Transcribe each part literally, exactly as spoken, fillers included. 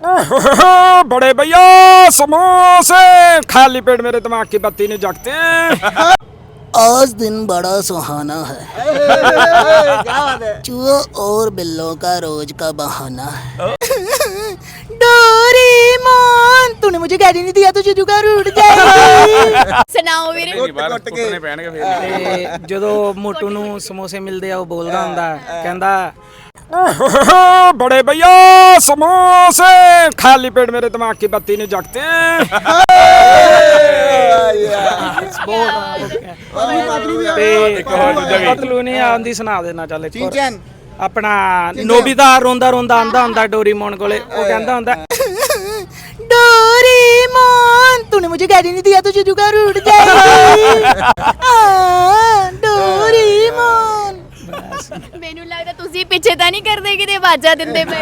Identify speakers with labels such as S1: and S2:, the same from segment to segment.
S1: बड़े भैया समोसे, खाली पेट मेरे दिमाग की बत्ती नहीं जगती।
S2: आज दिन बड़ा सुहाना है, चूहों और बिल्लों का रोज का बहाना है। डोरेमोन, तूने मुझे गाड़ी नहीं दिया तो जुजुका रूठ जाएगी।
S3: ਸੁਣਾਓ ਵੀਰੇ।
S1: ਕੁੱਟਣੇ ਪੈਣਗੇ ਫਿਰ। ਤੇ ਜਦੋਂ ਮੋਟੂ ਨੂੰ ਸਮੋਸੇ ਮਿਲਦੇ ਆ ਉਹ ਬੋਲਦਾ ਹੁੰਦਾ, ਕਹਿੰਦਾ बड़े भैया समोसे, खाली पेट मेरे दिमाग की बत्ती नहीं जगती। पतलू नहीं आंदी सुना देना चल अपना नोबिता रोंदा रोंदा आंदा हुंदा डोरेमोन कोले, ਉਹ ਕਹਿੰਦਾ ਹੁੰਦਾ डोरेमोन, तूने मुझे गाड़ी नहीं दिया तो जुजुका रूठ जाएगी। डोरेमोन,
S3: ਮੈਨੂੰ ਲੱਗਦਾ ਤੁਸੀਂ ਪਿੱਛੇ ਤਾਂ ਨਹੀਂ ਕਰਦੇ ਕਿਤੇ ਆਵਾਜ਼ਾਂ ਦਿੰਦੇ ਪਏ।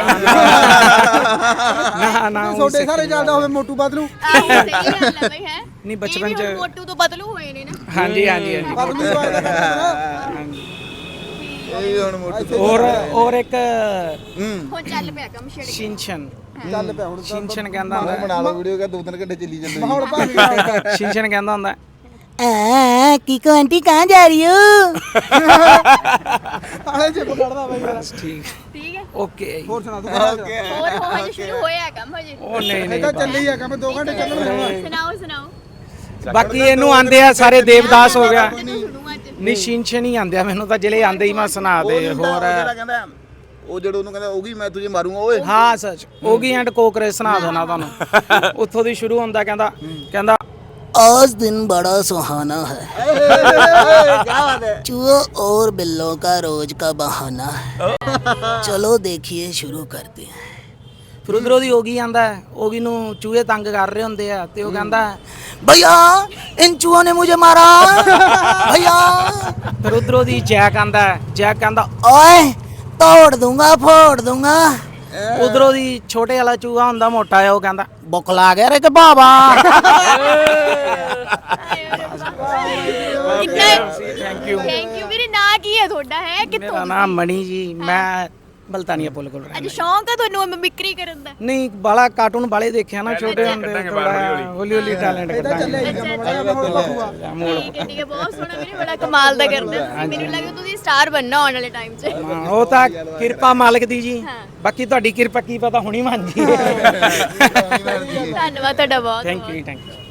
S1: ਨਾ ਨਾ
S4: ਛੋਟੇ ਸਾਰੇ ਚੱਲਦਾ ਹੋਵੇ ਮੋਟੂ ਬਦਲੂ।
S3: ਆਹੋ ਸਹੀ ਗੱਲ ਹੈ ਬਈ ਹੈ।
S4: ਨਹੀਂ
S1: ਬਚਪਨ
S3: ਚ ਮੋਟੂ ਤੋਂ ਬਦਲੂ ਹੋਏ ਨੇ ਨਾ।
S1: ਹਾਂਜੀ ਹਾਂਜੀ ਹਾਂਜੀ
S4: ਬਦਲੂ ਹੀ ਆਇਆ ਕਰਦਾ
S5: ਇਹ ਹੁਣ ਮੋਟੂ
S1: ਔਰ ਔਰ ਇੱਕ
S3: ਹੁਣ ਚੱਲ ਪਿਆ ਕੰਮ ਛੇੜ ਕੇ।
S1: ਸ਼ਿਨਸ਼ਨ
S4: ਚੱਲ ਪਿਆ ਹੁਣ
S1: ਸ਼ਿਨਸ਼ਨ ਕਹਿੰਦਾ ਹੁੰਦਾ
S5: ਬਣਾ ਲਓ ਵੀਡੀਓ ਕਿ ਦੋ ਤਿੰਨ ਘੰਟੇ ਚੱਲੀ ਜਾਂਦੀ
S4: ਮਾਹੌਲ ਭਾਗ ਗਿਆ।
S1: ਸ਼ਿਨਸ਼ਨ ਕਹਿੰਦਾ ਹੁੰਦਾ
S2: आ, कीको आंटी कहाँ जा रही हो?
S4: ਆਲੇ ਚਿਪ ਕੱਢਦਾ ਬਈ ਯਾਰ।
S1: ਠੀਕ
S3: ਠੀਕ ਹੈ।
S1: ਓਕੇ
S4: ਹੋਰ ਸੁਣਾ ਤੂੰ ਕਿਹੜਾ
S3: ਹੋਰ ਹੋ ਹਜੇ ਸ਼ੁਰੂ ਹੋਇਆ ਕੰਮ ਹਜੇ।
S1: ਉਹ ਨਹੀਂ
S4: ਇਹ
S1: ਨਹੀਂ
S4: ਤਾਂ ਚੱਲੀ ਆ ਕੰਮ ਦੋ ਘੰਟੇ ਚੱਲਣ।
S3: ਸੁਣਾਓ ਸੁਣਾਓ।
S1: ਬਾਕੀ ਇਹਨੂੰ ਆਂਦੇ ਆ ਸਾਰੇ ਦੇਵਦਾਸ ਹੋ ਗਿਆ।
S3: ਜਦੋਂ ਸੁਣੂ ਅੱਜ।
S1: ਨਹੀਂ ਸ਼ਿਨਸ਼ਨ ਹੀ ਆਂਦੇ ਆ ਮੈਨੂੰ ਤਾਂ ਜਿਹੜੇ ਆਂਦੇ ਹੀ ਮੈਂ ਸੁਣਾ ਦੇ ਹੋਰ
S5: ਕਹਿੰਦਾ ਉਹ ਜਿਹੜਾ ਉਹਨੂੰ ਕਹਿੰਦਾ ਉਹਗੀ ਮੈਂ ਤੁਝੇ ਮਾਰੂੰਗਾ ਓਏ।
S1: ਹਾਂ ਸੱਚ ਓਗੀ ਐਂਡ ਕੋਕਰੇ ਸੁਣਾ ਦੇਣਾ ਤੁਹਾਨੂੰ। ਉੱਥੋਂ ਦੀ ਸ਼ੁਰੂ ਹੁੰਦਾ ਕਹਿੰਦਾ ਕਹਿੰਦਾ
S2: आज दिन बड़ा सुहाना है, चूहों और बिल्लों का रोज का बहाना है। चलो देखिए शुरू करते हैं।
S1: ਫਿਰ ਉਧਰੋਂ ਦੀ ਓਗੀ ਆਂਦਾ, ਓਗੀ ਨੂੰ ਚੂਹੇ ਤੰਗ ਕਰ ਰਹੇ ਹੁੰਦੇ ਆ ਤੇ ਉਹ ਕਹਿੰਦਾ
S2: भैया इन चूहों ने मुझे मारा। भैया,
S1: ਫਿਰ ਉਧਰੋਂ ਦੀ ਜੈਕ ਆਂਦਾ, ਜੈਕ ਕਹਿੰਦਾ
S2: ओए तोड़ दूंगा फोड़ दूंगा।
S1: ਉਧਰੋਂ ਦੀ ਛੋਟੇ ਵਾਲਾ ਚੂਹਾ ਹੁੰਦਾ ਮੋਟਾ ਆ, ਉਹ ਕਹਿੰਦਾ ਬੁੱਕ ਲਾ ਗਿਆ ਰੇ ਕਿ ਬਾਬਾ।
S3: ਕਿੰਨਾ
S1: ਥੈਂਕ ਯੂ।
S3: ਥੈਂਕ ਯੂ ਵੀਰੇ। ਨਾਂ ਕੀ ਹੈ ਤੁਹਾਡਾ ਹੈ
S1: ਮੇਰਾ
S3: ਕਿੱਥੋਂ?
S1: ਨਾਮ ਮਣੀ ਜੀ, ਮੈਂ ਮਲਤਾਨੀਆ ਪੁੱਲ ਕੋਲ
S3: ਅੱਜ
S1: ਰਹਿੰਦਾ।
S3: ਸ਼ੌਂਕ ਆ ਤੁਹਾਨੂੰ ਮਿਮਿਕਰੀ ਕਰਨ ਦਾ?
S1: ਨਹੀਂ ਬਾਲਾ ਕਾਰਟੂਨ ਬਾਲੇ ਦੇਖਿਆ ਨਾ ਛੋਟੇ ਹੁੰਦੇ, ਥੋੜਾ ਹੌਲੀ ਹੌਲੀ ਟੈਲੈਂਟ ਕੱਢਾਂਗੇ।
S4: ਮਾਹੌਲ ਭਾਗੂਗਾ।
S3: ਠੀਕ ਹੈ ਠੀਕ ਹੈ। ਬਹੁਤ ਸੋਹਣਾ ਵੀਰੇ, ਬੜਾ ਕਮਾਲ ਦਾ ਕਰਦਾ। ਮੈਨੂੰ ਲੱਗਦਾ ਤੁਸੀਂ ਸਟਾਰ ਬਣਨਾ ਆਉਣ ਵਾਲੇ ਟਾਈਮ 'ਚ।
S1: ਹਾਂ, ਉਹ ਤਾਂ ਕਿਰਪਾ ਮਾਲਕ ਦੀ ਜੀ,
S3: ਹਾਂ।
S1: ਬਾਕੀ ਤੁਹਾਡੀ ਕਿਰਪਾ ਕੀ ਪਤਾ ਹੁਣੀ ਮੰਨ ਜੀ।
S3: ਧੰਨਵਾਦ ਤੁਹਾਡਾ ਬਹੁਤ
S1: ਥੈਂਕ ਯੂ ਥੈਂਕ ਯੂ।